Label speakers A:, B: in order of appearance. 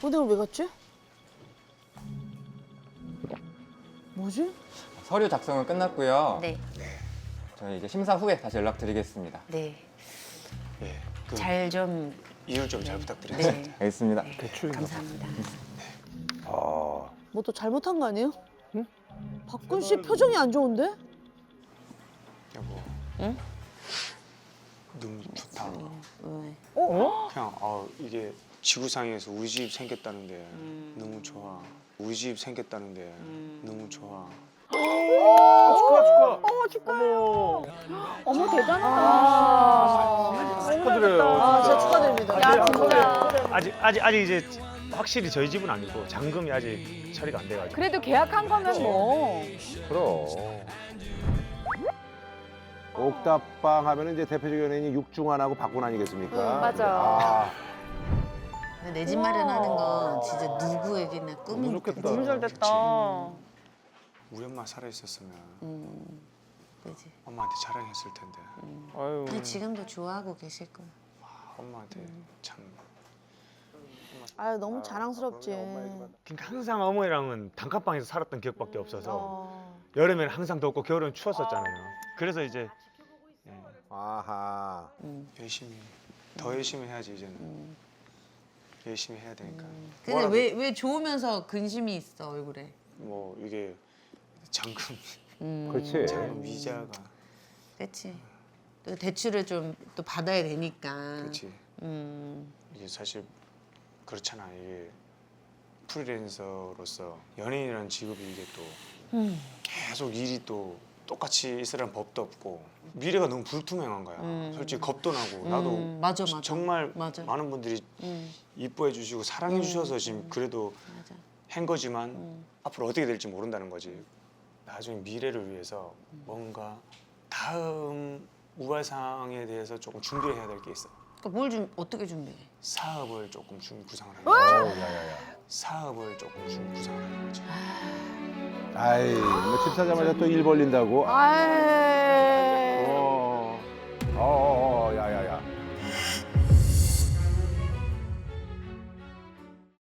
A: 오늘 왜 갔지? 뭐지?
B: 서류 작성은 끝났고요.
C: 네.
B: 저희 이제 심사 후에 다시 연락드리겠습니다.
C: 네.
D: 예, 그
C: 잘 좀.
D: 이율 좀 잘 부탁드리겠습니다.
C: 네.
B: 알겠습니다.
C: 감사합니다.
A: 뭐 또 잘못한 거 아니에요? 응? 박군 씨 표정이 안 좋은데?
D: 여보.
C: 응?
D: 너무 좋다.
C: 왜?
D: 그냥 이게 지구상에서 우리 집 생겼다는데 너무 좋아. 우리 집 생겼다는데 너무 좋아.
E: 어머 대단하다.
F: 축하드려요.
A: 아, 진짜 축하드립니다.
E: 야 진짜.
F: 아직 이제 확실히 저희 집은 아니고 잔금이 아직 처리가 안 돼가지고.
E: 그래도 계약한 거면 뭐.
G: 그럼. 옥탑방 하면은 이제 대표적 연예인이 육중환하고 박군 아니겠습니까?
E: 맞아.
C: 내 집 마련하는 건 진짜 누구에게나
G: 너무
C: 꿈이니까.
G: 좋겠다.
E: 너무 잘 됐다.
D: 우리 엄마 살아 있었으면
C: 그지.
D: 엄마한테 자랑했을 텐데.
C: 근데 지금도 좋아하고 계실 거야.
D: 엄마한테 참.
A: 아, 너무 자랑스럽지.
F: 그러니까 항상 어머니랑은 단칸방에서 살았던 기억밖에 없어서 여름에는 항상 덥고 겨울에는 추웠었잖아요. 그래서 이제
G: 아하.
D: 열심히 더 열심히 해야지 이제는. 열심히 해야 되니까.
C: 근데
D: 뭐라도
C: 왜 좋으면서 근심이 있어 얼굴에?
D: 뭐 이게 잔금
G: 그렇지.
D: 잔금 이자가
C: 그렇지. 또 대출을 좀 또 받아야 되니까.
D: 그렇지. 이게 사실 그렇잖아. 이게 프리랜서로서 연예인이라는 직업이 이게 또 계속 일이 또 똑같이 있으라는 법도 없고 미래가 너무 불투명한 거야. 솔직히 겁도 나고 나도
C: 맞아.
D: 정말
C: 맞아.
D: 많은 분들이
C: 음,
D: 이뻐해 주시고 사랑해 주셔서 지금 그래도
C: 맞아.
D: 한 거지만 앞으로 어떻게 될지 모른다는 거지. 나중에 미래를 위해서 뭔가 다음 우발상에 대해서 조금 준비를 해야 될 게 있어.
C: 그러니까 어떻게 준비해?
D: 사업을 조금 구상을 하는 거지.
G: 야야야.
D: 사업을 조금 구상을 하는 거지.
G: 아이, 뭐 집 사자마자 또 일 벌린다고.
A: 아이.
G: 어.